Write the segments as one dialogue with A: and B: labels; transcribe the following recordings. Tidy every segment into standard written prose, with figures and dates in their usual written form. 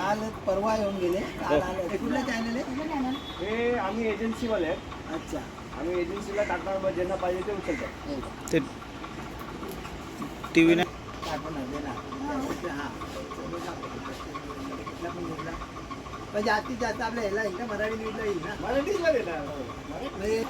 A: काल परवा येऊन गेले, काल आले. हे कुठलं चॅनल आहे?
B: हे आम्ही एजन्सीवाले आहेत.
A: अच्छा.
B: आम्ही एजन्सीला टाकणार, मग ज्यांना पाहिजे ते उचलतात.
C: ते टी व्ही
A: टाकून देणार. हां. कुठला पण घेतला पण जास्तीत जास्त आपल्या ह्याला येईल ना, मराठी न्यूजला येईल ना.
B: मराठीला देणार.
A: म्हणजे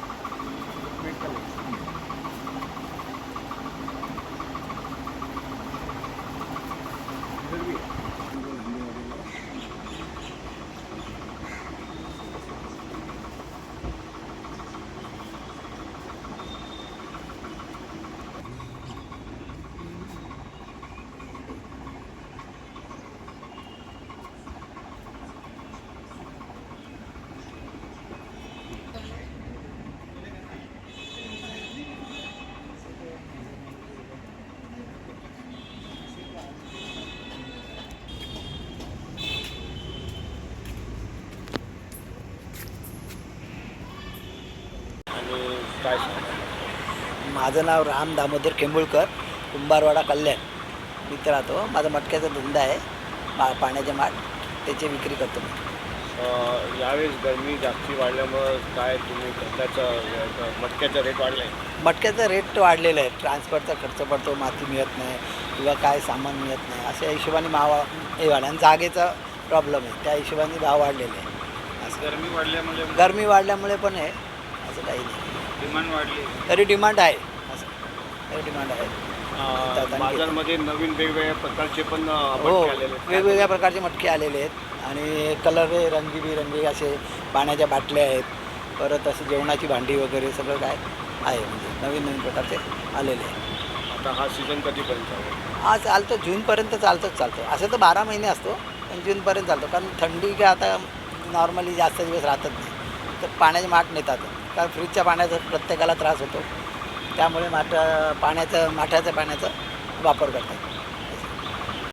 B: काय
A: माझं नाव राम दामोदर केंबुळकर, कुंभारवाडा कल्याण. मी इथं राहतो. माझा मटक्याचा धंदा आहे, पाण्याचे माठ, त्याची विक्री करतो मी.
B: यावेळेस गरमी जास्ती वाढल्यामुळं काय तुम्ही धंद्याचं मटक्याचा रेट वाढला आहे?
A: मटक्याचा रेट वाढलेला आहे. ट्रान्सपोर्टचा खर्च पडतो, माती मिळत नाही किंवा काय सामान मिळत नाही, अशा हिशोबाने भाव हे वाढला. आणि जागेचा प्रॉब्लेम आहे, त्या हिशोबाने भाव वाढलेले आहे. असं गरमी वाढल्यामुळे पण आहे, असं काही नाही.
B: डिमांड वाढली
A: तरी डिमांड आहे, असं तरी डिमांड आहे.
B: बाजारमध्ये नवीन वेगवेगळ्या प्रकारचे पण
A: हो,
B: आलेले आहेत.
A: वेगवेगळ्या प्रकारचे मटके आलेले आहेत आणि कलर रंगीबिरंगी असे पाण्याच्या बाटल्या आहेत, परत असं जेवणाची भांडी वगैरे सगळं काय आहे, म्हणजे नवीन नवीन प्रकारचे आलेले आहेत.
B: आता हा सीझन कधीपर्यंत आहे?
A: हा चालतो, जूनपर्यंत चालतो. असं तर 12 महिने असतो, पण जूनपर्यंत चालतो. कारण थंडी काय आता नॉर्मली जास्त दिवस राहतच नाही, तर पाण्याचे माठ नेतात. कारण फ्रीजच्या पाण्याचा प्रत्येकाला त्रास होतो, त्यामुळे माठाच्या पाण्याचा वापर करतात.